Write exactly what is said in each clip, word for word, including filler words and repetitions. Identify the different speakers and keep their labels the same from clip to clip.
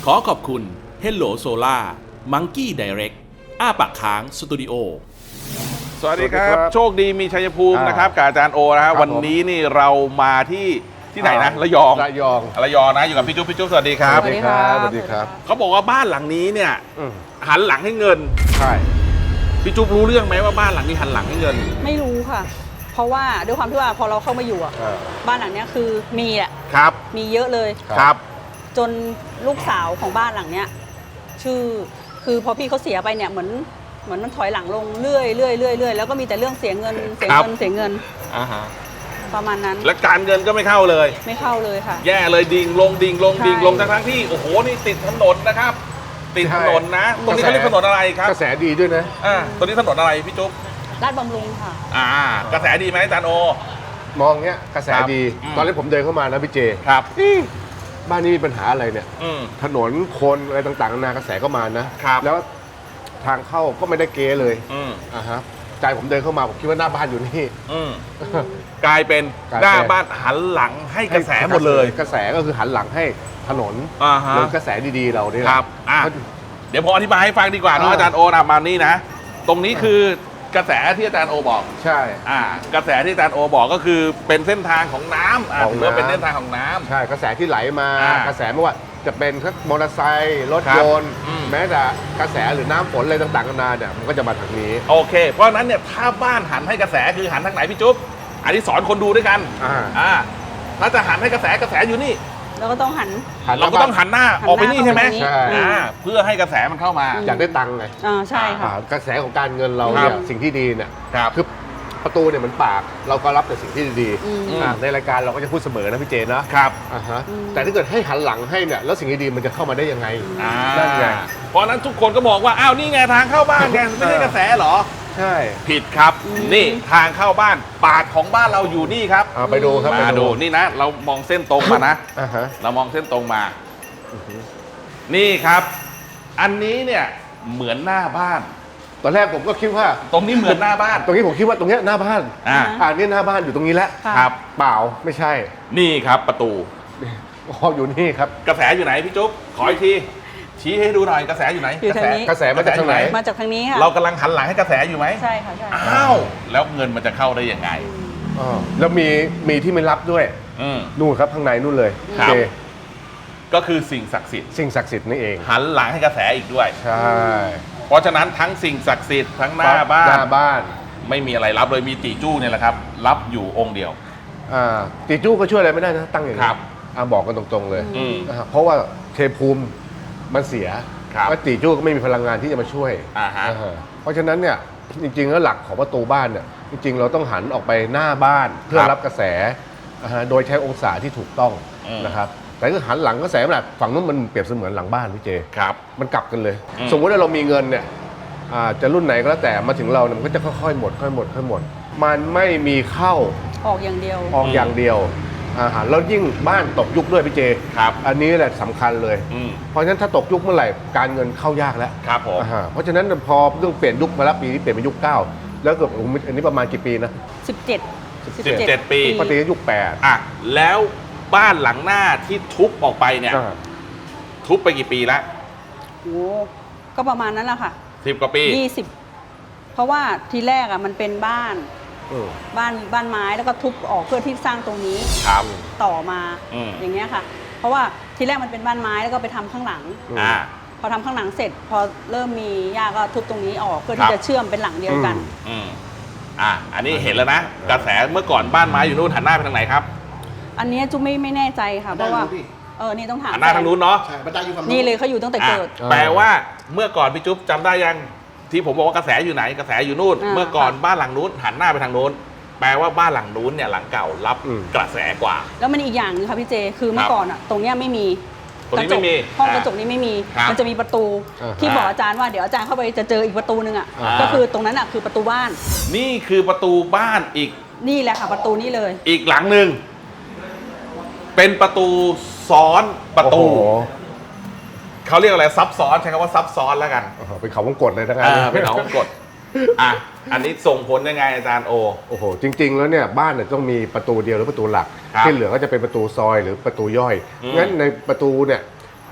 Speaker 1: ขอขอบคุณ Hello Solar Monkey Direct อ้าปากค้างสตูดิโอสวัสดีครับโชคดีมีชัยภูมินะครับกับอาจารย์โอนะครับวันนี้นี่เรามาที่ที่ไหนนะระยอง
Speaker 2: ระยอง
Speaker 1: ระยองนะอยู่กับพี่จุ๊บพี่จุ๊บสวัสดีครับ
Speaker 2: สวัสดีครับสวัสดีครับ
Speaker 1: เขาบอกว่าบ้านหลังนี้เนี่ยหันหลังให้เงิน
Speaker 2: ใช่
Speaker 1: พี่จุ๊บรู้เรื่องไหมว่าบ้านหลังนี้หันหลังให้เงิน
Speaker 3: ไม่รู้ค่ะเพราะว่าด้วยความที่ว่าพอเราเข้ามาอยู่อ่ะบ้านหลังนี้คือมีอ่ะ
Speaker 1: ครับ
Speaker 3: มีเยอะเลย
Speaker 1: ครับ
Speaker 3: จนลูกสาวของบ้านหลังเนี้ยชื่อคือพอพี่เขาเสียไปเนี่ยเหมือนเหมือนมันถอยหลังลงเรื่อยเรื่อยเรื่อยเรื่อยแล้วก็มีแต่เรื่องเสียเงินเสียเงินเสียเงิน
Speaker 1: อ่าฮะ
Speaker 3: ประมาณนั้น
Speaker 1: และการเงินก็ไม่เข้าเลย
Speaker 3: ไม่เข้าเลยค่ะ
Speaker 1: แย่เลยดิ่งลงดิ่งลงดิ่งลงทั้งทั้งที่โอ้โหนี่ติดถนนนะครับติดถนนนะตรงนี้เขาเรียกถนนอะไรครับ
Speaker 2: กระแสดีด้วยนะ
Speaker 1: อ่าตรงนี้ถนนอะไรพี่จุ๊บ
Speaker 3: ลาดบำรุงค่ะ
Speaker 1: อ่ากระแสดีไหมอาจารย์โอ
Speaker 2: มองเงี้ยกระแสดีตอนนี้ผมเดินเข้ามานะพี่เจ
Speaker 1: ครับ
Speaker 2: บ้านนี้มีปัญหาอะไรเนี่ยถนนคนอะไรต่างๆนานากระแสก็มานะแล้วทางเข้าก็ไม่ได้เก๋เลยอ่าฮะใจผมเดินเข้ามาผมคิดว่าหน้าบ้านอยู่นี่
Speaker 1: กลายเป็นหน้าบ้านหันหลังให้กระแสหมดเลย
Speaker 2: กระแสก็คือหันหลังให้ถนนเหมือนกระแสดีๆเราเนี่ย
Speaker 1: ครับเดี๋ยวผมอธิบายให้ฟังดีกว่าเนาะอาจารย์โอนะมานี่นะตรงนี้คือกระแสที่อาจารย์โอบอก
Speaker 2: ใช่
Speaker 1: อ่ากระแสที่อาจารย์โอบอกก็คือเป็นเส้นทางของน้ำอ่าถือว่าเป็นเส้นทางของน้ำ
Speaker 2: ใช่กระแสที่ไหลมากระแสไม่ว่าจะเป็นมอเตอร์ไซค์รถยนต์แม้แต่กระแสหรือน้ำฝนอะไรต่างๆกันานาเนี่ยมันก็จะมาทางนี้
Speaker 1: โอเคเพราะฉะนั้นเนี่ยถ้าบ้านหันให้กระแสคือหันทางไหนพี่จุ๊บอันนี้สอนคนดูด้วยกันอ่าถ้าจะหันให้กระแสกระแสอยู่นี่
Speaker 3: เราก็ต้องหัน
Speaker 1: เราก็ต้องหันหน้าออกไปนี่ใช่ไหมใช่เพื่อให้กระแสมันเข้ามา
Speaker 2: อยากได้ตังค์ไง
Speaker 3: อ่าใช่ค่ะ
Speaker 2: กระแสของการเงินเราเนี่ยสิ่งที่ดีเนี่ยคือประตูเนี่ยเหมือนปากเราก็รับแต่สิ่งที่ดีในรายการเราก็จะพูดเสมอนะพี่เจนะครับอ่าฮะแต่ถ้าเกิดให้หันหลังให้เนี่ยแล้วสิ่งที่ดีมันจะเข้ามาได้ยังไงนั่นไง
Speaker 1: เพราะนั้นทุกคนก็บอกว่าอ้าวนี่ไงทางเข้าบ้านไงไม่ใช่กระแสหรอ
Speaker 2: ใช่
Speaker 1: ผิดครับนี่ทางเข้าบ้านปากของบ้านเราอยู่นี่ครับ
Speaker 2: ไปดูครับ
Speaker 1: มาดูนี่นะเรามองเส้นตรงมานะเรามองเส้นตรงมานี่ครับอันนี้เนี่ยเหมือนหน้าบ้าน
Speaker 2: ตอนแรกผมก็คิดว่า
Speaker 1: ตรงนี้เหมือนหน้าบ้าน
Speaker 2: ตรงนี้ผมคิดว่าตรงนี้หน้าบ้านอ่าอันนี้หน้าบ้านอยู่ตรงนี้แล้ว
Speaker 1: ครับ
Speaker 2: เปล่าไม่ใช่
Speaker 1: นี่ครับประตู
Speaker 2: อ๋ออยู่นี่ครับ
Speaker 1: กระแสอยู่ไหนพี่จุ๊บขออีกทีชี้ให้ดูหน่อยกระแสอยู่ไหน
Speaker 3: กระแส
Speaker 2: กระแสมาจากทางไหน
Speaker 3: มาจากทางนี้ค่ะ
Speaker 1: เรากำลังหันหลังให้กระแสอยู่ไหม
Speaker 3: ใช่ค่ะใช่
Speaker 1: อ้าวแล้วเงินมันจะเข้าได้ยังไง
Speaker 2: อ๋อแล้วมีมีที่ไม่รับด้วยนู่นครับข้างในนู่นเลย
Speaker 1: ครับก็คือสิ่งศักดิ์สิทธิ์
Speaker 2: สิ่งศักดิ์สิทธิ์นี่เอง
Speaker 1: หันหลังให้กระแสอีกด้วย
Speaker 2: ใช่
Speaker 1: เพราะฉะนั้นทั้งสิ่งศักดิ์สิทธิ์ทั้งหน้าบ้าน
Speaker 2: หน้าบ้าน
Speaker 1: ไม่มีอะไรรับเลยมีตีจู้เนี่ยแหละครับรับอยู่องค์เดียว
Speaker 2: อ่าตีจู้ก็ช่วยอะไรไม่ได้นะตั้งอย่างนี้
Speaker 1: ครับ
Speaker 2: อ่าบอกกันตรงๆเลยเพราะว่าเทภูมิมันเสียว่าตีจู้ก็ไม่มีพลังงานที่จะมาช่วยเพราะฉะนั้นเนี่ยจริงๆแล้วหลักของประตูบ้านเนี่ยจริงๆเราต้องหันออกไปหน้าบ้านเพื่อรับกระแสโดยใช้องศาที่ถูกต้องนะครับแต่ถ้าหันหลังกระแสแบบฝั่งนู้นมันเปรียบเสมือนหลังบ้านพี่เจ
Speaker 1: ครับ
Speaker 2: มันกลับกันเลยสมมติว่าเรามีเงินเนี่ยจะรุ่นไหนก็แล้วแต่มาถึงเราเนี่ยมันก็จะค่อยๆหมดค่อยหมดค่อยหมดมันไม่มีเข้า
Speaker 3: ออกอย่างเดียว
Speaker 2: ออกอย่างเดียวอาหารแล้วยิ่งบ้านตกยุคด้วยพี่เจ
Speaker 1: ครับ
Speaker 2: อันนี้แหละสำคัญเลยเพราะฉะนั้นถ้าตกยุคเมื่อไหร่การเงินเข้ายากแล้ว
Speaker 1: ครับผม
Speaker 2: เพราะฉะนั้นพอเรื่องเปลี่ยนยุคมาแล้วปีนี้เปลี่ยนเป็นยุคเก้าแล้วเกือบอันนี้ประมาณกี่ปีนะ
Speaker 3: สิบเจ็ด
Speaker 1: สิบเจ็ดปี
Speaker 2: ปฏิยุคแปด
Speaker 1: อ่ะแล้วบ้านหลังหน้าที่ทุบออกไปเนี่ยทุบไปกี่ปีแล้ว
Speaker 3: โอ้ก็ประมาณนั้นแหละค่ะ
Speaker 1: สิบกว่าปี
Speaker 3: ยี่สิบเพราะว่าทีแรกอ่ะมันเป็นบ้านบ้านบ้านไม้แล้วก็ทุบออกเพื่อที่สร้างตรงนี้ต่อมาอย่างเงี้ยค่ะเพราะว่าทีแรกมันเป็นบ้านไม้แล้วก็ไปทำข้างหลังพอทำข้างหลังเสร็จพอเริ่มมีหญ้าก็ทุบตรงนี้ออกเพื่อที่จะเชื่อมเป็นหลังเดียวกัน
Speaker 1: อ่าอันนี้เห็นแล้วนะกระแสเมื่อก่อนบ้านไม้อยู่นู่นหันหน้าไปทางไหนครับ
Speaker 3: อันนี้จุ๊ไม่ไม่แน่ใจค่ะเพราะว่าเออนี่ต้องถาม
Speaker 1: หันหน้าทางนู้นเนาะ
Speaker 3: นี่เลยเขาอยู่ตั้งแต่เกิด
Speaker 1: แปลว่าเมื่อก่อนพี่จุ๊บจำได้ยังที่ผมบอกว่ากระแสอยู่ไหนกระแสอยู่นู่นเมื่อก่อนบ้านหลังนู้นหันหน้าไปทางนู้นแปลว่าบ้านหลังนู้นเนี่ยหลังเก่ารับกระแสกว่า
Speaker 3: แล้วมันอีกอย่างนึงค่ะพี่เจคือเมื่อก่อนอ่ะตรงเนี้ยไม่มี
Speaker 1: ตรงนี้ไม่มี
Speaker 3: ห้องกระจกนี้ไม่มีมันจะมีประตูที่บอกอาจารย์ว่าเดี๋ยวอาจารย์เข้าไปจะเจออีกประตูนึงอ่ะก็คือตรงนั้นอ่ะคือประตูบ้าน
Speaker 1: นี่คือประตูบ้านอีก
Speaker 3: นี่แหละค่ะประตูนี้เลย
Speaker 1: อีกหลังหนึ่งเป็นประตูซ้อนประตูเขาเรียกอะไรซับซ้อนใช้คำว่าซับซ้อนแล้วกัน
Speaker 2: เป็นเขาวงกตเลยทั้งนั้
Speaker 1: นเป็นเขาวงกตอ่ะอันนี้ส่งผลยังไงอาจารย์โอ
Speaker 2: โอ้โหจริงๆแล้วเนี่ยบ้านเนี่ยต้องมีประตูเดียวหรือประตูหลักที่เหลือก็จะเป็นประตูซอยหรือประตูย่อยงั้นในประตูเนี่ย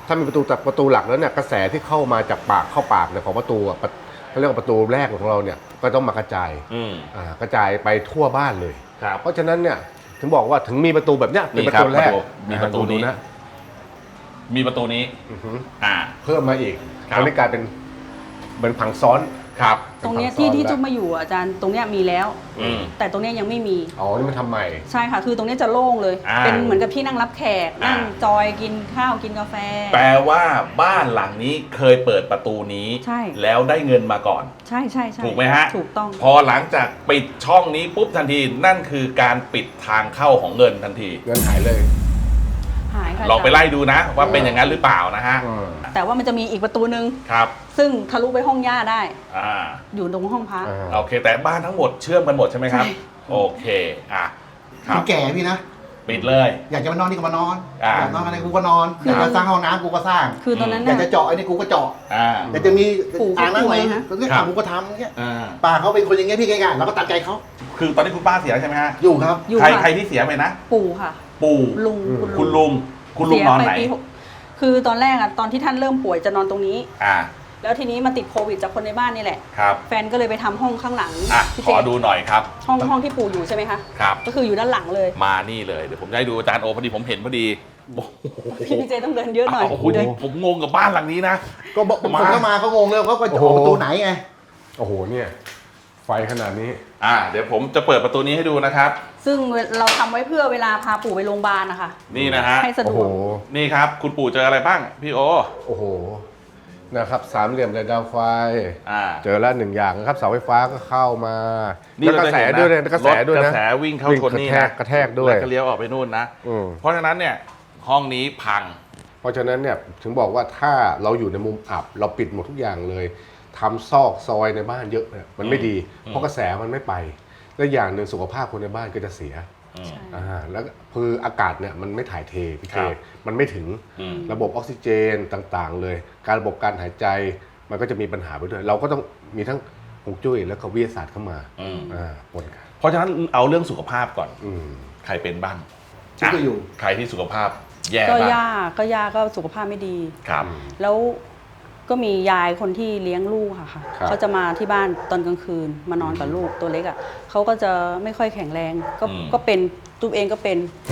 Speaker 2: ถ้ามีประตูจากประตูหลักแล้วเนี่ยกระแสที่เข้ามาจากปากเข้าปากเนี่ยของประตูอะประเขาเรียกว่าประตูแรกของเราเนี่ยก็ต้องมากระจาย
Speaker 1: อืม
Speaker 2: อ่ากระจายไปทั่วบ้านเลย
Speaker 1: ครับ
Speaker 2: เพราะฉะนั้นเนี่ยถึงบอกว่าถึงมีประตูแบบเนี้ยเป็น
Speaker 1: นี่
Speaker 2: ประ
Speaker 1: ครับ
Speaker 2: ตูแรก
Speaker 1: มีประตูนี้
Speaker 2: นะ
Speaker 1: มีประตูนี้
Speaker 2: อือฮึ
Speaker 1: อ่า
Speaker 2: เพิ่มมาอีก
Speaker 1: ครับ
Speaker 2: ตอนนี้กลายเป็นเหมือนผังซ้อน
Speaker 1: ครับ
Speaker 3: ตรงเนี้ย
Speaker 2: เป็น
Speaker 3: ที่
Speaker 2: ผังซ้อน
Speaker 3: ที่จุ๊บ
Speaker 2: แล้ว
Speaker 3: มาอยู่อะอาจารย์ตรงเนี้ยมีแล้ว
Speaker 1: อืม
Speaker 3: แต่ตรงเนี้ยยังไม่มี
Speaker 2: อ๋อนี่มันทำใหม่
Speaker 3: ใช่ค่ะ คือตรงเนี้ยจะโล่งเลย
Speaker 1: อ่า
Speaker 3: เป็นเหมือนกับที่นั่งรับแขก
Speaker 1: อ่านั่
Speaker 3: นั่งจอยกินข้าวกินกาแฟ
Speaker 1: แปลว่าบ้านหลังนี้เคยเปิดประตูนี้
Speaker 3: ใช่
Speaker 1: แล้วได้เงินมาก่อน
Speaker 3: ใช่ใช่ใช่
Speaker 1: ถูกไหมฮะ
Speaker 3: ถูกต้อง
Speaker 1: พอหลังจากปิดช่องนี้ปุ๊บทันทีนั่นคือการปิดทางเข้าของเงินทันที
Speaker 2: เงินหายเลย
Speaker 3: หายค่ะ
Speaker 1: ลองไป
Speaker 3: าจารย์
Speaker 1: ไล่ดูนะ ว่าเป็นอย่างนั้นหรือเปล่านะฮะ
Speaker 2: อืม
Speaker 3: แต่ว่ามันจะมีอีกประตูหนึ่ง
Speaker 1: ครับ
Speaker 3: ซึ่งทะลุไปห้องย่าได้
Speaker 1: อ่า
Speaker 3: อยู่ตรงห้องพระ
Speaker 2: อ่า
Speaker 1: โอเค แต่บ้านทั้งหมดเชื่อมกันหมดใช่ไหมครับ
Speaker 3: ใช่
Speaker 1: โอเคอ่ะครั
Speaker 4: มั
Speaker 1: บ
Speaker 4: นแก่พี่นะ
Speaker 1: ปิดเลย
Speaker 4: อยากจะมานอนนี่ก็มานอน
Speaker 1: อ่า
Speaker 4: อยากนอนอะไรกูก็นอนอยากจะสร้างห้องน้ำกูก็สร้าง
Speaker 3: คือตอนนั้น
Speaker 4: อยาก
Speaker 3: น่ะ
Speaker 4: จะเจาะไอ้นี่กูก็เจาะ
Speaker 1: อ่า
Speaker 4: อยากจะมี
Speaker 3: ปู่
Speaker 4: อ่างน้ำไหม
Speaker 3: ป่วยฮะ
Speaker 4: ก็เรียก
Speaker 1: ครับ
Speaker 4: ทำกูก็ทำเงี้ย
Speaker 1: อ่า
Speaker 4: ป้าเขาเป็นคนอย่างเงี้ยพี่ง่ายๆเราก็ตามใจเขา
Speaker 1: คือตอนนี้คุณป้าเสียใช่ไหมฮะ
Speaker 4: อยู่ครับ
Speaker 3: อยู่
Speaker 1: ใคร
Speaker 3: ค่ะ
Speaker 1: ใครที่เสียไปนะ
Speaker 3: ปู่ค่ะ
Speaker 1: ปู่
Speaker 3: ลุง
Speaker 1: คุณลุงคุณลุง
Speaker 3: เสีย
Speaker 1: นอน
Speaker 3: ไป
Speaker 1: ไหน
Speaker 3: ปีหกคือตอนแรกอะตอนที่ท่านเริ่มป่วยจะนอนตรงนี้
Speaker 1: อ่า
Speaker 3: แล้วทีนี้มาติดโควิดจากคนในบ้านนี่แหละ
Speaker 1: ครับ
Speaker 3: แฟนก็เลยไปทำห้องข้างหลัง
Speaker 1: อ่ะ
Speaker 3: พี่
Speaker 1: ข
Speaker 3: เจ
Speaker 1: อดูหน่อยครับ
Speaker 3: ห้องห้องที่ปู่อยู่ใช่ไหมคะ
Speaker 1: ครับ
Speaker 3: ก็คืออยู่ด้านหลังเลย
Speaker 1: มานี่เลยเดี๋ยวผมจะให้ดูอาจารย์โอพอดีผมเห็นพอดีโอ้โห
Speaker 3: พี่พี่เจต้องเดินเยอะหน่อย
Speaker 1: โอ้โห
Speaker 3: เดิน
Speaker 1: ผมงงกับบ้านหลังนี้นะ
Speaker 4: ก็บอกผม
Speaker 1: มา
Speaker 4: เข้ามาเขางงเลยเขาก็จะ
Speaker 2: โอ้
Speaker 4: อ
Speaker 2: โห
Speaker 4: อกประตูไหนไง
Speaker 2: โอ้โหเนี่ยไฟขนาดนี้
Speaker 1: อ่าเดี๋ยวผมจะเปิดประตูนี้ให้ดูนะครับ
Speaker 3: ซึ่งเราทำไว้เพื่อเวลาพาปู่ไปโรงพยาบาลนะคะ
Speaker 1: นี่นะฮะ
Speaker 3: ให้สะด
Speaker 2: โอ้
Speaker 3: ว
Speaker 2: โห
Speaker 3: ก
Speaker 1: นี่ครับ คุณปู่เจออะไรบ้างพี่โอ
Speaker 2: โอ้โหนะครับสามเหลี่ยมเลยดาวไฟ
Speaker 1: อ่า
Speaker 2: เจอแล้วหนึ่งอย่างนะครับเสาไฟฟ้าก็เข้ามา
Speaker 1: นี่
Speaker 2: แล้วกระแสด้วยเลยกระแสด้วย
Speaker 1: รถก
Speaker 2: นะ
Speaker 1: ระแสวิ่งเข้าชนนี่
Speaker 2: วิ่งกระแท
Speaker 1: นะ
Speaker 2: กกระแทกด้วย
Speaker 1: แล้วก็เลี้ยวออกไปนู่นนะ
Speaker 2: อืม
Speaker 1: เพราะฉะนั้นเนี่ยห้องนี้พัง
Speaker 2: เพราะฉะนั้นเนี่ยถึงบอกว่าถ้าเราอยู่ในมุมอับ เราปิดหมดทุกอย่างเลยทำซอกซอยในบ้านเยอะเนี่ยมันไม่ดี
Speaker 1: อืม
Speaker 2: เพราะกระแสมันไม่ไปและอย่างหนึ่งสุขภาพคนในบ้านก็จะเสีย
Speaker 1: อืม
Speaker 2: อ่าแล้วคืออากาศเนี่ยมันไม่ถ่ายเทพี่
Speaker 1: ค
Speaker 2: เจ
Speaker 1: รับ
Speaker 2: มันไม่ถึง
Speaker 1: อืม
Speaker 2: ระบบออกซิเจนต่างๆ เลย การระบบการหายใจมันก็จะมีปัญหาไปด้วย เราก็ต้องมีทั้งฮวงจุ้ยแล้วก็วิทยาศาสตร์เข้ามา
Speaker 1: อืม
Speaker 2: อ่าปนกัน
Speaker 1: เพราะฉะนั้นเอาเรื่องสุขภาพก่อน
Speaker 2: อืม
Speaker 1: ใครเป็นบ้าง
Speaker 4: ฉันก็อยู่
Speaker 1: ใครที่สุขภาพแย่
Speaker 3: ก็
Speaker 1: บ้าง
Speaker 3: ย่าก็ย่าก็สุขภาพไม่ดี
Speaker 1: ครับ
Speaker 3: แล้วก็มียายคนที่เลี้ยงลูกค่ะค่ะ
Speaker 2: ครับ
Speaker 3: เขาจะมาที่บ้านตอนกลางคืนมานอนกับลูกตัวเล็กอ่ะเขาก็จะไม่ค่อยแข็งแรง ก็
Speaker 1: อืม
Speaker 3: ก็เป็นตุ๊กเองก็เป็น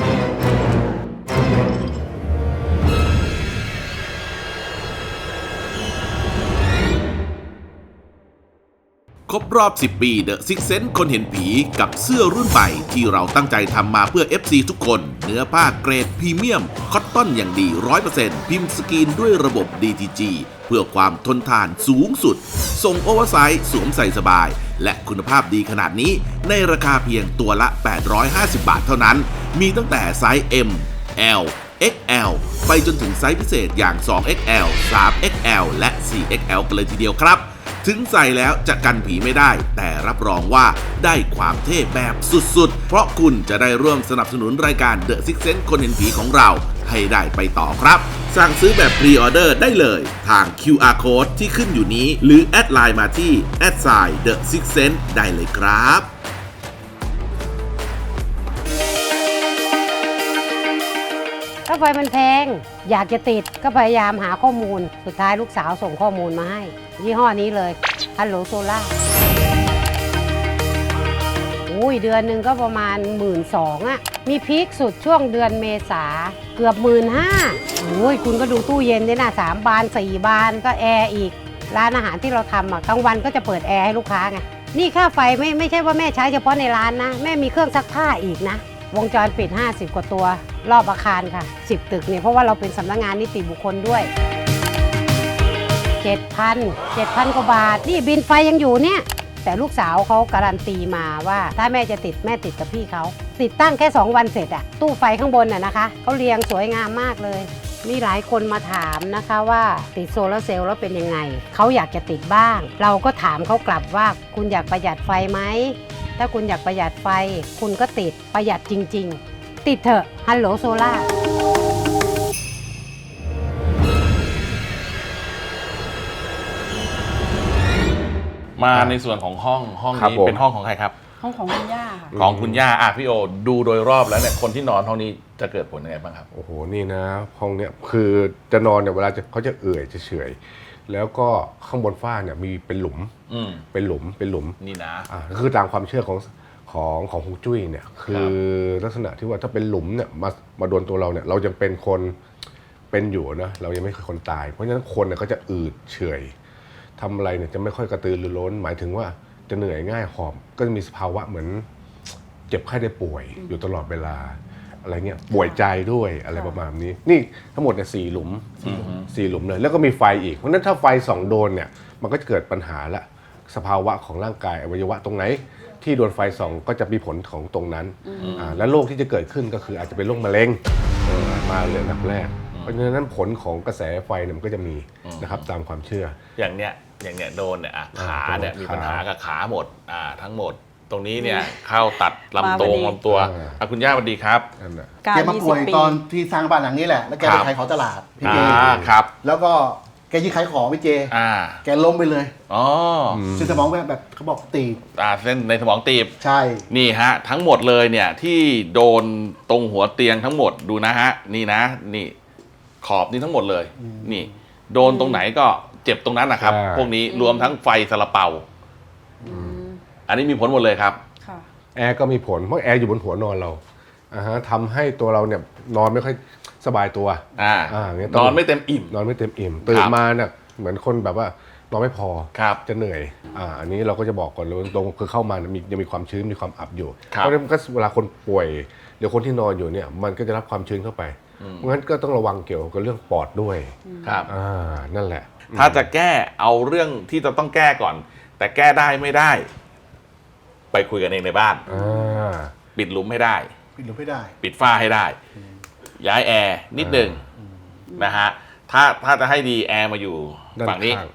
Speaker 5: ครบรอบ สิบ ปี The Six Sense คนเห็นผีกับเสื้อรุ่นใหม่ที่เราตั้งใจทำมาเพื่อ เอฟ ซี ทุกคน เนื้อผ้าเกรดพรีเมียม คอตตอนอย่างดี ร้อยเปอร์เซ็นต์ พิมพ์สกรีนด้วยระบบ ดี ที จี เพื่อความทนทานสูงสุด ส่งโอเวอร์ไซส์สวมใส่สบาย และคุณภาพดีขนาดนี้ ในราคาเพียงตัวละ แปดร้อยห้าสิบ บาทเท่านั้น มีตั้งแต่ไซส์ M L เอ็กซ์ แอล ไปจนถึงไซส์พิเศษอย่าง สอง เอ็กซ์ แอล สาม เอ็กซ์ แอล และ สี่ เอ็กซ์ แอล กันเลยทีเดียวครับ ถึงใส่แล้วจะกันผีไม่ได้ แต่รับรองว่าได้ความเท่แบบสุดๆ เพราะคุณจะได้ร่วมสนับสนุนรายการ The Six Sense คนเห็นผีของเราให้ได้ไปต่อครับ สั่งซื้อแบบพรีออเดอร์ได้เลยทาง คิว อาร์ Code ที่ขึ้นอยู่นี้ หรือแอดไลน์มาที่ แอดไซน์ The Six Sense ได้เลยครับ
Speaker 6: ค่าไฟมันแพง อยากจะติดก็พยายามหาข้อมูล สุดท้ายลูกสาวส่งข้อมูลมาให้ ยี่ห้อนี้เลยฮัลโหลโซล่าอุ้ยเดือนหนึ่งก็ประมาณ หนึ่งหมื่นสองพัน อ่ะ มีพีคสุดช่วงเดือนเมษาเกือบ หนึ่งหมื่นห้าพัน โอ้ยคุณก็ดูตู้เย็นด้วยนะสามบานสี่บานก็แอร์อีก ร้านอาหารที่เราทำอ่ะกลางวันก็จะเปิดแอร์ให้ลูกค้าไง นี่ค่าไฟไม่ไม่ใช่ว่าแม่ใช้เฉพาะในร้านนะ แม่มีเครื่องซักผ้าอีกนะ วงจรปิด ห้าสิบ กว่าตัวรอบอาคารค่ะ สิบ ตึกเนี่ยเพราะว่าเราเป็นสำนักงานนิติบุคคลด้วย เจ็ดพัน เจ็ดพัน กว่าบาท นี่บินไฟยังอยู่เนี่ย แต่ลูกสาวเขาการันตีมาว่าถ้าแม่จะติดแม่ติดกับพี่เขา ติดตั้งแค่ สอง วันเสร็จอะตู้ไฟข้างบนน่ะนะคะเขาเรียงสวยงามมากเลย มีหลายคนมาถามนะคะว่าติดโซลาร์เซลล์แล้วเป็นยังไง เขาอยากจะติดบ้าง เราก็ถามเขากลับว่าคุณอยากประหยัดไฟไหม ถ้าคุณอยากประหยัดไฟ คุณก็ติดประหยัดจริง ๆ ติดเถอะฮัลโหลโซล่า
Speaker 1: มาในส่วนของห้องห้อง
Speaker 2: ครับ
Speaker 1: นี้
Speaker 2: ผม
Speaker 1: เป็นห้องของใครครับ
Speaker 3: ห้องของคุณย่าค่ะ
Speaker 1: ของคุณย่าอ่ะพี่โอดูโดยรอบแล้วเนี่ยคนที่นอนห้องนี้จะเกิดผลยังไงบ้างครับ
Speaker 2: โอ้โหนี่นะห้องเนี้ยคือจะนอนเนี่ยเวลาจะเขาจะเอื่อยจะเฉอยแล้วก็ข้างบนฝ้าเนี่ยมีเป็นหลุม
Speaker 1: อืม
Speaker 2: เป็นหลุมเป็นหลุม
Speaker 1: นี่นะ
Speaker 2: อ่าคือตามความเชื่อของของของฮวงจุ้ยเนี่ยคือลักษณะที่ว่าถ้าเป็นหลุมเนี่ยมามาโดนตัวเราเนี่ยเรายังเป็นคนเป็นอยู่นะเรายังไม่เคยคนตาย เพราะฉะนั้นคนเนี่ยก็จะอืดเฉอยทำอะไรเนี่ยจะไม่ค่อยกระตือรือร้นหมายถึงว่าจะเหนื่อยง่ายหอบก็จะมีสภาวะเหมือนเจ็บไข้ได้ป่วยอยู่ตลอดเวลาอะไรเงี้ยป่วยใจด้วยอะไรประมาณนี้นี่ทั้งหมดเนี่ยสี่หลุมสี่หลุมเลยแล้วก็มีไฟอีกเพราะฉะนั้นถ้าไฟส่องโดนเนี่ยมันก็จะเกิดปัญหาละสภาวะของร่างกายอวัยวะตรงไหนที่โดนไฟส่องก็จะมีผลของตรงนั้นอ่าและโรคที่จะเกิดขึ้นก็คืออาจจะเป็นโรคมะเร็งเออมาเลยอันดับแรกเพราะฉะนั้นผลของกระแสไฟเนี่ยมันก็จะมีนะครับตามความเชื่อ
Speaker 1: อย่างเนี้ยอย่างเนี้ยโดนเนี่ยอ่ะขาเนี่ย
Speaker 2: อ่า
Speaker 1: มีปัญหา
Speaker 2: ขา
Speaker 1: กับขาหมดอ่าทั้งหมด ตรงนี้เนี่ยเข้าตัดลำตัว
Speaker 3: มาพอดี
Speaker 1: ลำตัว
Speaker 2: อ่า
Speaker 1: อ่ะคุณย่าสวัสดีครับ
Speaker 2: นั่นแหละ
Speaker 3: การ
Speaker 4: แกมาป่วย
Speaker 3: ยี่สิบปี
Speaker 4: ตอนที่สร้างบ้านหลังนี้แหละ แล้วแก
Speaker 1: ค
Speaker 4: ไป
Speaker 1: รับ
Speaker 4: ขายของตลาดพี่เจ
Speaker 1: อ่าครับ
Speaker 4: แล้วก็แกยืนขายของพี่เจ
Speaker 1: อ่า
Speaker 4: แกล้มไปเลย
Speaker 1: อ๋อ
Speaker 4: เส้นสมองแบบแบบเขาบอกตีบ
Speaker 1: อ่าเส้นในสมองตีบ
Speaker 4: ใช่
Speaker 1: นี่ฮะทั้งหมดเลยเนี่ยที่โดนตรงหัวเตียงทั้งหมดดูนะฮะนี่นะนี่ขอบนี่ทั้งหมดเลย นี่ โดนตรงไหนก็เจ็บตรงนั้นนะครับ
Speaker 2: ใช่
Speaker 1: พวกนี้รวมทั้งไฟซาลาเปา อันนี้มีผลหมดเลยครับ
Speaker 3: ค่ะ
Speaker 2: แอร์ก็มีผลเพราะแอร์อยู่บนหัวนอนเราอ่าฮะทำให้ตัวเราเนี่ยนอนไม่ค่อยสบายตัว
Speaker 1: อ่า
Speaker 2: อ่าอย่างเงี้ย
Speaker 1: นอนไม่เต็มอิ่ม
Speaker 2: นอนไม่เต็มอิ่มตื่นมาเนี่ยเหมือนคนแบบว่านอนไม่พอ
Speaker 1: ครับ
Speaker 2: จะเหนื่อยอ่าอันนี้เราก็จะบอกก่อนเลยตรงคือเข้ามาเนี่ยมียังมีความชื้นมีความอับอยู่
Speaker 1: ครับ
Speaker 2: เพราะฉะนั้นก็เวลาคนป่วยหรือคนที่นอนอยู่เนี่ยมันก็จะรับความชื้นเข้าไปเพราะงั้นก็ต้องระวังเกี่ยวกับเรื่องปอดด้วย
Speaker 1: ครับ
Speaker 2: อ่านั่นแหละ
Speaker 1: ถ้าจะแก้เอาเรื่องที่จะต้องแก้ก่อน แต่แก้ได้ไม่ได้ ไปคุยกันเองในบ้าน
Speaker 2: อ่า
Speaker 1: ปิดหลุมให้ได้
Speaker 4: ปิดหรือไม่ได้
Speaker 1: ปิดฝ้าให้ได้ ย้ายแอร์นิดหนึ่งนะฮะถ้าถ้าจะให้ดีแอร์มาอยู่
Speaker 2: ด้าน
Speaker 1: ฝั่งนี้
Speaker 2: ข้าง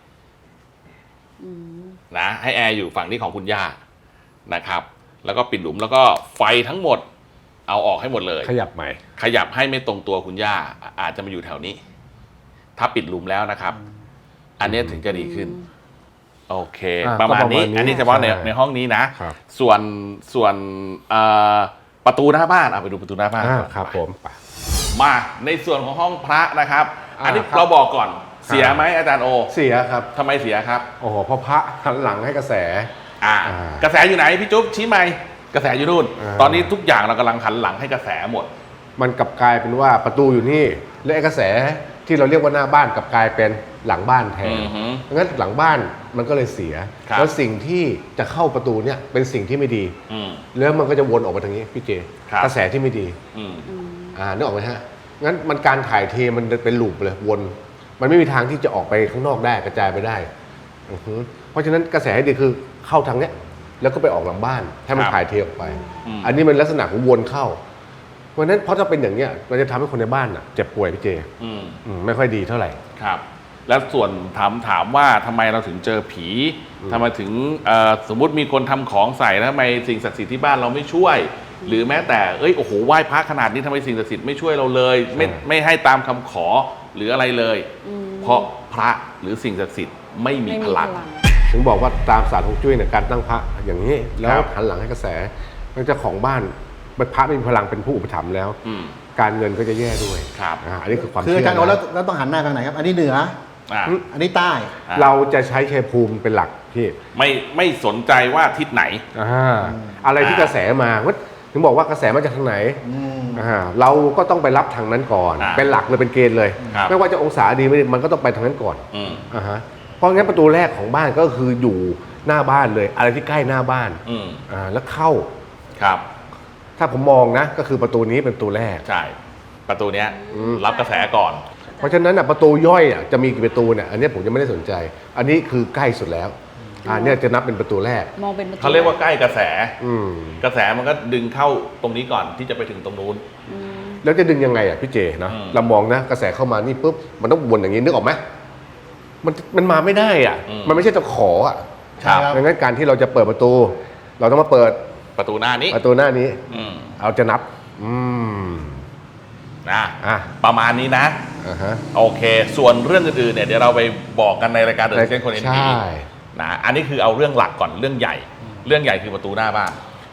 Speaker 1: นะให้แอร์อยู่ฝั่งนี้ของคุณย่านะครับ แล้วก็ปิดหลุมแล้วก็ไฟทั้งหมด เอาออกให้หมดเลย
Speaker 2: ขยับใหม่
Speaker 1: ขยับให้ไม่ตรงตัวคุณย่าอ่ะอาจจะมาอยู่แถวนี้ ถ้าปิดหลุมแล้วนะครับ อันนี้ถึงจะดีขึ้น โอเค
Speaker 2: อ่ะ
Speaker 1: ประมาณนี้
Speaker 2: ก็ประมาณนี้
Speaker 1: อันนี้เฉพาะใน
Speaker 2: ใช่
Speaker 1: ในห้องนี้นะ
Speaker 2: ครับ
Speaker 1: ส่วนส่วนเอ่อประตูหน้าบ้านเอาไปดูประตูหน้าบ้าน
Speaker 2: อ่า
Speaker 1: ก่อน
Speaker 2: ครับผมไป
Speaker 1: มาในส่วนของห้องพระนะครับ
Speaker 2: อ่า
Speaker 1: อันนี้
Speaker 2: ครับ
Speaker 1: เราบอกก่อนเสียไหมอาจารย์โอ
Speaker 2: เสียครับ
Speaker 1: ทำไมเสียครับ
Speaker 2: โอ้โหเพราะพระหันหลังให้กระแส
Speaker 1: อ่า
Speaker 2: อ่าก
Speaker 1: ระแสอยู่ไหนพี่จุ๊บชี้ไหมกระแสอยู่นู่น
Speaker 2: อ่า
Speaker 1: ตอนนี้ทุกอย่างเรากำลังหันหลังให้กระแสหมด
Speaker 2: มันกลับกลายเป็นว่าประตูอยู่นี่และไอ้กระแสที่เราเรียกว่าหน้าบ้านกลับกลายเป็นหลังบ้านแทน
Speaker 1: อือฮึ
Speaker 2: งั้นหลังบ้านมันก็เลยเสีย
Speaker 1: ครับ
Speaker 2: แล้วสิ่งที่จะเข้าประตูเนี่ยเป็นสิ่งที่ไม่ดี
Speaker 1: อืม
Speaker 2: แล้วมันก็จะวนออกมาทางนี้พี่เจ
Speaker 1: ครับ
Speaker 2: กระแสที่ไม่ดี
Speaker 1: อืม
Speaker 2: อ่านึกออกไหมฮะงั้นมันการถ่ายเทมันเป็นลูปเลยวน มันไม่มีทางที่จะออกไปข้างนอกได้กระจายไปได้อือฮึเพราะฉะนั้นกระแสให้ดีคือเข้าทางเนี้ยแล้วก็ไปออกหลังบ้านให้มัน
Speaker 1: ครับ
Speaker 2: ถ่ายเทออกไป
Speaker 1: อืม
Speaker 2: อันนี้มันลักษณะของวนเข้า เพราะฉะนั้นเพราะถ้าเป็นอย่างเนี้ยมันจะทำให้คนในบ้านอ่ะเจ็บป่วยพี่เจ
Speaker 1: อืม
Speaker 2: อืมไม่ค่อยดีเท่าไหร่
Speaker 1: ครับ แล้วส่วนถามถามว่าทำไมเราถึงเจอผีทำไมถึงเอ่อสมมุติมีคนทำของใส่แล้วทำไมสิ่งศักดิ์สิทธิ์ที่บ้านเราไม่ช่วย หรือแม้แต่เอ้ยโอ้โหไหว้พระขนาดนี้ทำไมสิ่งศักดิ์สิทธิ์ไม่ช่วยเราเลย ไม่
Speaker 2: ใช่
Speaker 1: ไม่ให้ตามคำขอหรืออะไรเลย เพราะพระหรือสิ่งศักดิ์สิทธิ์ไม่มี
Speaker 3: ไม่
Speaker 1: พ
Speaker 3: มีพ
Speaker 1: ลั
Speaker 3: ลั
Speaker 1: ง
Speaker 3: ง
Speaker 2: ถึงบอกว่าตามศาสตร์ฮวงจุ้ยเนี่ยการตั้งพระอย่างนี้ แล้
Speaker 1: คว รับ
Speaker 2: หันหลังให้กระแสมันเจ้าของบ้านพระไม่มีพลังเป็นผู้อุปถัมภ์แล้ว
Speaker 1: อืม
Speaker 2: การเงินก็จะแย่ด้วย
Speaker 1: ครับ
Speaker 2: อ่าอันนี้คือความ
Speaker 4: คือ
Speaker 2: เชื่
Speaker 4: อา
Speaker 2: อ
Speaker 4: จารย์โอ
Speaker 2: นะ
Speaker 4: แล้วแล้วต้องหันหน้าทางไหนครับ อันนี้เหนือ
Speaker 1: อ่า
Speaker 4: อันนี้ใต้
Speaker 1: อ่ะ
Speaker 2: เราจะใช้ชัยภูมิเป็นหลักพี่
Speaker 1: ไม่ไม่สนใจว่าทิศไหน
Speaker 2: อ่าอะไรที่กระแสมาว่าถึงบอกว่ากระแสมาจากทางไหน
Speaker 4: อืม
Speaker 2: อ่าเราก็ต้องไปรับทางนั้นก่อน
Speaker 1: อ่า
Speaker 2: เป็นหลักเลยเป็นเกณฑ์เลย
Speaker 1: ครับ
Speaker 2: ไม่ว่าจะองศาดีไม่ดีมันก็ต้องไปทางนั้นก่อน
Speaker 1: อืม
Speaker 2: อ่าฮะเพราะงั้นประตูแรกของบ้านก็คืออยู่หน้าบ้านเลย อะไรที่ใกล้หน้าบ้าน
Speaker 1: อืม
Speaker 2: อ่าแล้วเข้า
Speaker 1: ครับ
Speaker 2: ถ้าผมมองนะก็คือประตูนี้เป็นประตูแรก
Speaker 1: ใช่ประตูเนี้ย
Speaker 2: อืม
Speaker 1: รับกระแสก่อน
Speaker 2: เพราะฉะนั้นอ่ะประตูย่อยอ่ะจะมีกี่ประตูเนี่ยอันเนี้ยผมจะไม่ได้สนใจ อันนี้คือใกล้สุดแล้วอ่าเนี่ยจะนับเป็นประตูแรก
Speaker 3: มองเป็นประตู
Speaker 1: เขาเรียกว่าใกล้กระแส
Speaker 2: อืม
Speaker 1: กระแสมันก็ดึงเข้าตรงนี้ก่อนที่จะไปถึงตรงนู้น
Speaker 3: อืม
Speaker 2: แล้วจะดึงยังไงอ่ะพี่เจนะ
Speaker 1: อืม
Speaker 2: เรามองนะกระแสเข้ามานี่ปุ๊บมันต้องวนอย่างนี้นึกออกไหมมันมันมาไม่ได้อ่ะ
Speaker 1: อืม
Speaker 2: มันไม่ใช่ตะขออ่ะ
Speaker 1: ครับ
Speaker 2: ดังนั้นการที่เราจะเปิดประตู เราต้องมาเปิด
Speaker 1: ประตูหน้านี้
Speaker 2: ประตูหน้านี้
Speaker 1: อืม
Speaker 2: เราจะนับ อืม
Speaker 1: นะ
Speaker 2: อ่ะ
Speaker 1: ประมาณนี้นะ
Speaker 2: อ่าฮะ
Speaker 1: โอเค ส่วนเรื่องอื่นๆเนี่ยเดี๋ยวเราไปบอกกันในรายการเดอะเซนคนเอ็น
Speaker 2: ใช่
Speaker 1: พีนะอันนี้คือเอาเรื่องหลักก่อนเรื่องใหญ่ เรื่องใหญ่คือประตูหน้าบ้าน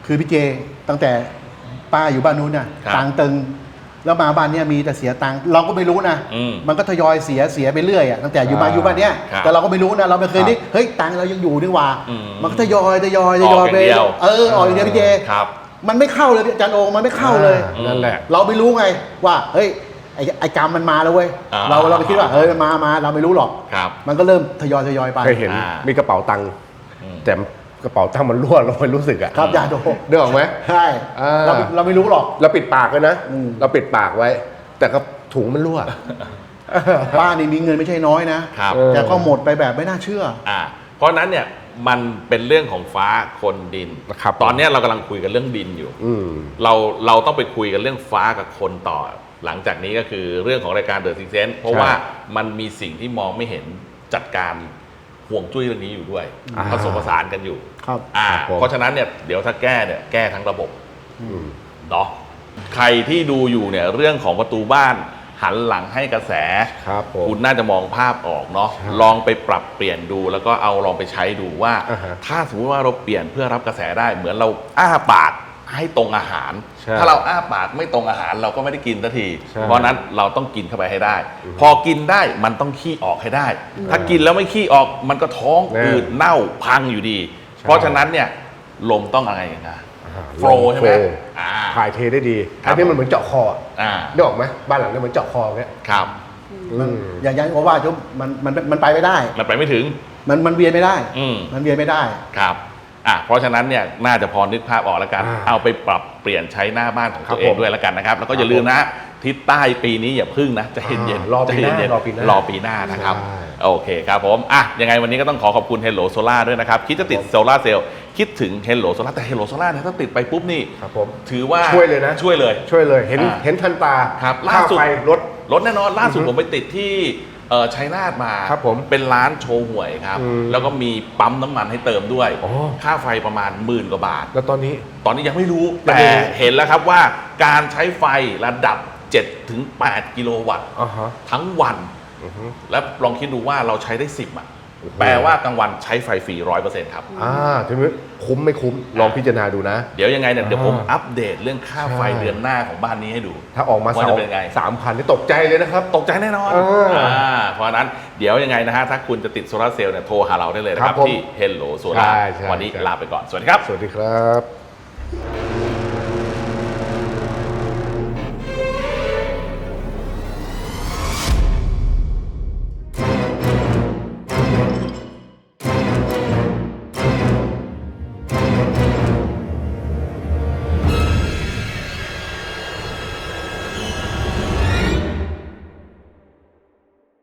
Speaker 4: คือพี่เจตั้งแต่ป้าอยู่บ้านนู้นน่ะ
Speaker 1: ครับ
Speaker 4: ตังค์ตึงแล้วมาบ้านเนี้ยมีแต่เสียตังค์เราก็ไม่รู้นะ
Speaker 1: อืม
Speaker 4: มันก็ทยอยเสียเสียไปเรื่อยอ่ะตั้งแต่อยู่บ้าน
Speaker 2: อ่า
Speaker 4: อยู่บ้านเนี้ย
Speaker 1: ครับ
Speaker 4: แต่เราก็ไม่รู้นะเราไม่เคยนึก
Speaker 2: ครับ
Speaker 4: เฮ้ยตังค์เรายังอยู่นี่หว่า
Speaker 1: อืม
Speaker 4: มันก็ทยอยทยอยทยอย
Speaker 1: ออก
Speaker 4: ไป
Speaker 1: อย่างเดียว
Speaker 4: เออออกอย่างเดียวพี่เจ
Speaker 1: ครับ
Speaker 4: มันไม่เข้าเลยอาจารย์โองมันไม่เข้าเลย
Speaker 2: อ่นั่นแหละ
Speaker 4: เราไม่รู้ไงว่าเฮ้ยไอ้ไอ้กรรมมันมาแล้วเว้ย
Speaker 1: อ่า
Speaker 4: เราเราไปคิดว่าเฮ้ยมันมามาเราไม่รู้หรอก
Speaker 1: ครับ
Speaker 4: มันก็เริ่มทยอยทยอยไป
Speaker 2: เคยเห็น
Speaker 1: อ่ามี
Speaker 2: มีกระเป๋าตังค์
Speaker 1: อืม
Speaker 2: แต่กระเป๋าตังค์มันรั่วเราไม่รู้สึกอะ
Speaker 4: ครับยาโด
Speaker 2: เนื้อออกไหม
Speaker 4: ใช่
Speaker 2: อ่า
Speaker 4: เราเราไม่รู้หรอก
Speaker 2: เราปิดปากเลยนะ
Speaker 4: อืม
Speaker 2: เราปิดปากไว้ แต่ก็ถุงมันรั่ว
Speaker 4: ป้านี่มีเงินไม่ใช่น้อยนะครับ
Speaker 2: เออ
Speaker 4: แต่ก็หมดไปแบบไม่น่าเชื่อ
Speaker 1: อ่าเพราะฉะนั้นเนี่ยมันเป็นเรื่องของฟ้าคนดิน
Speaker 2: นะครับ
Speaker 1: ตอนเนี้ยเรากำลังคุยกันเรื่องดินอยู่
Speaker 2: อืม
Speaker 1: เราเราต้องไปคุยกันเรื่องฟ้ากับคนต่อ หลังจากนี้ก็คือเรื่องของรายการเดอะซิกเซนเพราะ
Speaker 2: ใช่
Speaker 1: ว่ามันมีสิ่งที่มองไม่เห็นจัดการห่วงจุ้ยเรื่องนี้อยู่ด้วย
Speaker 2: อ่า
Speaker 1: ผสมผสานกันอยู่
Speaker 4: ครับ
Speaker 1: อ่า
Speaker 2: ครับผม
Speaker 1: เพราะฉะนั้นเนี่ยเดี๋ยวถ้าแก้เนี่ยแก้ทั้งระบบ
Speaker 2: อืม
Speaker 1: เนาะใครที่ดูอยู่เนี่ยเรื่องของประตูบ้านหันหลังให้กระแส
Speaker 2: ครับผม
Speaker 1: คุณน่าจะมองภาพออกเนาะ
Speaker 2: ใช่
Speaker 1: ลองไปปรับเปลี่ยนดูแล้วก็เอาลองไปใช้ดูว่า
Speaker 2: อ่าฮะ
Speaker 1: ถ้าสมมติว่าเราเปลี่ยนเพื่อรับกระแสได้ เหมือนเราอ้าปากให้ตรงอาหาร
Speaker 2: ใช่
Speaker 1: ถ้าเราอ้าปากไม่ตรงอาหารเราก็ไม่ได้กินสักที
Speaker 2: ใช่
Speaker 1: เพราะฉะนั้นเราต้องกินเข้าไปให้ได้ พอกินได้มันต้องขี้ออกให้ได้ ถ้ากินแล้วไม่ขี้ออกมันก็ท้อง
Speaker 2: แน่
Speaker 1: อืดเน่าพังอยู่ดี
Speaker 2: ใช่
Speaker 1: เพราะฉะนั้นเนี่ยลมต้องอะไรอย่างเงี้ย
Speaker 2: อ่า
Speaker 1: โฟลว์ใช่ไหม
Speaker 2: โฟลว์
Speaker 1: อ่า
Speaker 2: ถ่ายเทได้ดี
Speaker 1: ครับ
Speaker 2: อันนี้มันเหมือนเจาะคออะ
Speaker 1: อ่า
Speaker 2: ได้ออกไหมบ้านหลังนี้เหมือนเจาะคอเงี้ย
Speaker 1: ครับ
Speaker 4: มัน
Speaker 2: อืม
Speaker 4: อย่างอย่างที่ว่าจุ๊บมันมันมันไปไม่ได้
Speaker 1: มันไปไม่ถึง
Speaker 4: มันมันเวียนไม่ได้
Speaker 1: อืม
Speaker 4: มันเวียนไม่ได้
Speaker 1: ครับอ่ะเพราะฉะนั้นเนี่ยน่าจะพอนึกภาพออกแล้วกัน
Speaker 2: อ่า
Speaker 1: เอาไปปรับเปลี่ยนใช้หน้าบ้านของ
Speaker 2: ครั
Speaker 1: ตั
Speaker 2: บ
Speaker 1: วเอง
Speaker 2: ผม
Speaker 1: ด้วยแล้วกันนะครับ แล้วก็อย่าลืมนะทิศใต้ปีนี้อย่าพึ่งนะใจะเย็น
Speaker 2: อ่า
Speaker 1: ๆ
Speaker 2: รอปีหน้า
Speaker 1: ใจเย็ๆ
Speaker 2: รอปีหน้าร
Speaker 1: อปีหน้านะครับ
Speaker 2: ใช่
Speaker 1: โอเคครับผมอ่ะยังไงวันนี้ก็ต้องขอขอบคุณ Hello Solar ด้วยนะครับ คิดจะติดโซลาร์เซลล์คิดถึง Hello Solar แต่ Hello Solar เนี่ยถ้าติดไปปุ๊บนี่
Speaker 2: ครับผม
Speaker 1: ถือว่า
Speaker 2: ช่วยเลยนะ
Speaker 1: ช่วยเลย
Speaker 2: ช่วยเลยเห็น
Speaker 1: อ่า
Speaker 2: เห็นทันตา
Speaker 1: ครับ
Speaker 2: ค่า
Speaker 1: ล่าสุด
Speaker 2: ไฟลด
Speaker 1: รถแน่นอนล่าสุด
Speaker 2: อือฮึ
Speaker 1: ผมไปติดที่เอ่อชัยนาทมา
Speaker 2: ครับผม
Speaker 1: เป็นร้านโชว์หวยครับ
Speaker 2: อืม
Speaker 1: แล้วก็มีปั๊มน้ำมันให้เติมด้วย
Speaker 2: อ๋อ
Speaker 1: ค่าไฟประมาณหมื่นกว่าบาท
Speaker 2: แล้วตอนนี้
Speaker 1: ตอนนี้ยังไม่รู้
Speaker 2: ยัง
Speaker 1: แต่
Speaker 2: ไม่รู้
Speaker 1: เห็นแล้วครับว่าการใช้ไฟระดับ เจ็ดถึงแปด กิโลวัตต์
Speaker 2: อ่าฮะ
Speaker 1: ทั้งวัน
Speaker 2: อือฮึ
Speaker 1: แล้วลองคิดดูว่าเราใช้ได้สิบอ่ะ
Speaker 2: โอ้โห
Speaker 1: แปลว่ากลางวันใช้ไฟฟรีร้อยเปอร์เซ็นต์ครับ
Speaker 2: อ่าทีนี้คุ้มไม่คุ้มลองพิจารณาดูนะ
Speaker 1: เดี๋ยวยังไงเนี่ยเดี๋ยวผม
Speaker 2: อ่า
Speaker 1: อัปเดตเรื่องค่าไฟ
Speaker 2: ใช่
Speaker 1: เดือนหน้าของบ้านนี้ให้ดู
Speaker 2: ถ้าออกมา
Speaker 1: ว่า
Speaker 2: สา
Speaker 1: จะ
Speaker 2: ม
Speaker 1: เป็นไง
Speaker 2: สามพันนี่ตกใจเลยนะครับ
Speaker 1: ตกใจแน่นอน
Speaker 2: เอออ่
Speaker 1: าเพราะฉะนั้นเดี๋ยวยังไงนะฮะ ถ้าคุณจะติดโซลาร์เซลล์เนี่ยโทรหาเราได้เลยนะค
Speaker 2: ครั
Speaker 1: รับบ
Speaker 2: ผม
Speaker 1: ที่ Hello Solar
Speaker 2: ใช่ใช่
Speaker 1: วันนี้
Speaker 2: ใช่
Speaker 1: ลาไปก่อน สวัสดีครับ
Speaker 2: สวัสดีครับ